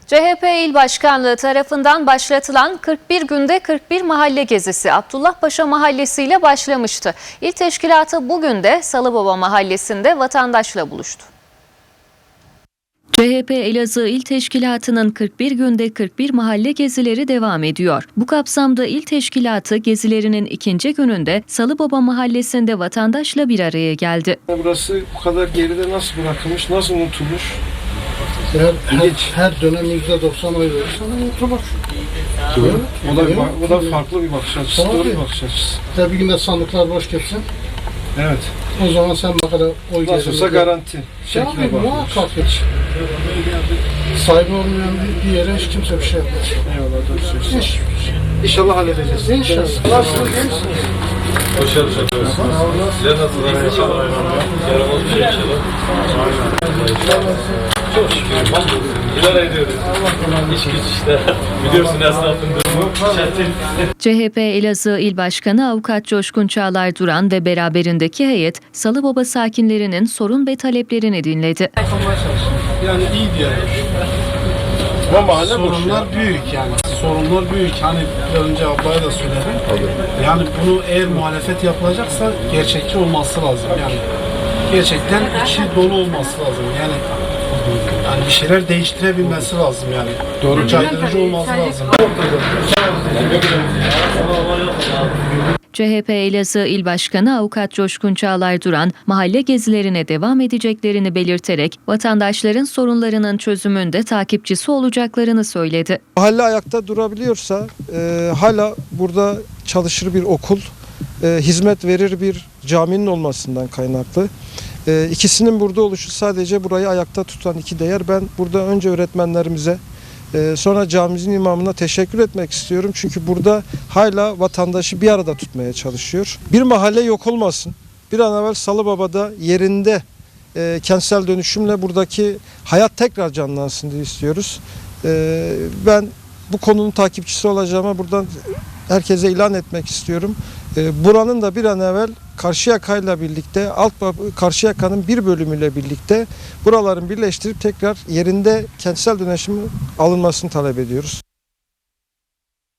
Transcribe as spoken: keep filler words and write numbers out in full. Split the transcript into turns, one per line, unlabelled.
C H P İl Başkanlığı tarafından başlatılan kırk bir günde kırk bir mahalle gezisi Abdullahpaşa Mahallesi ile başlamıştı. İl teşkilatı bugün de Salıbaba Mahallesi'nde vatandaşla buluştu. C H P Elazığ İl Teşkilatı'nın kırk bir günde kırk bir mahalle gezileri devam ediyor. Bu kapsamda İl Teşkilatı gezilerinin ikinci gününde Salıbaba Mahallesi'nde vatandaşla bir araya geldi.
Burası bu kadar geride nasıl bırakılmış, nasıl unutulmuş?
Her, her, her dönem yüzde doksan oy verir, sana unutulur.
O da, o da farklı bir bakış açısı,
Tabii.
doğru bir bakış açısı.
Tabii günde sandıklar boş geçsin.
Evet.
O zaman sen ne kadar oy gelir.
Nasıl olsa garanti.
Tabii
Şekline bakmış.
muhakkak hiç. Sahibi olmayan bir, bir yere hiç kimse bir şey yapmaz.
Eyvallah, doğru söylüyorsun.
Hiç.
İnşallah halledeceğiz.
İnşallah. Nasılsınız, iyi misiniz?
Hoş geldiniz. Sizler nasılsınız? İnşallah. Yaramaz bir şey inşallah. Çok şükür. İdare ediyoruz. İş güç işte. Biliyorsun esnafın durumu.
C H P Elazığ İl Başkanı Avukat Coşkun Çağlar Duran ve beraberindeki heyet Salıbaba sakinlerinin sorun ve taleplerini dinledi.
Yani iyi diyelim.
Bu mahalle
Sorunlar büyük yani. Sorunlar büyük. Hani biraz önce ablaya da söyledim. Yani bunu eğer muhalefet yapılacaksa gerçekçi olması lazım. Yani gerçekten içi dolu olması lazım. Yani yani bir şeyler değiştirebilmesi lazım yani. Doğru. Caydırıcı olması lazım.
C H P Elazığ İl Başkanı Avukat Coşkun Çağlar Duran, mahalle gezilerine devam edeceklerini belirterek vatandaşların sorunlarının çözümünde takipçisi olacaklarını söyledi.
Mahalle ayakta durabiliyorsa, e, hala burada çalışır bir okul, e, hizmet verir bir caminin olmasından kaynaklı. E, ikisinin burada oluşu sadece burayı ayakta tutan iki değer. Ben burada önce öğretmenlerimize, e, sonra camimizin imamına teşekkür etmek istiyorum. Çünkü burada hala vatandaşı bir arada tutmaya çalışıyor. Bir mahalle yok olmasın. Bir an evvel Salıbaba'da yerinde e, kentsel dönüşümle buradaki hayat tekrar canlansın diye istiyoruz. E, ben bu konunun takipçisi olacağıma buradan herkese ilan etmek istiyorum. E, buranın da bir an evvel Karşıyaka'yla birlikte, alt Karşıyaka'nın bir bölümüyle birlikte buraların birleştirip tekrar yerinde kentsel dönüşümün alınmasını talep ediyoruz.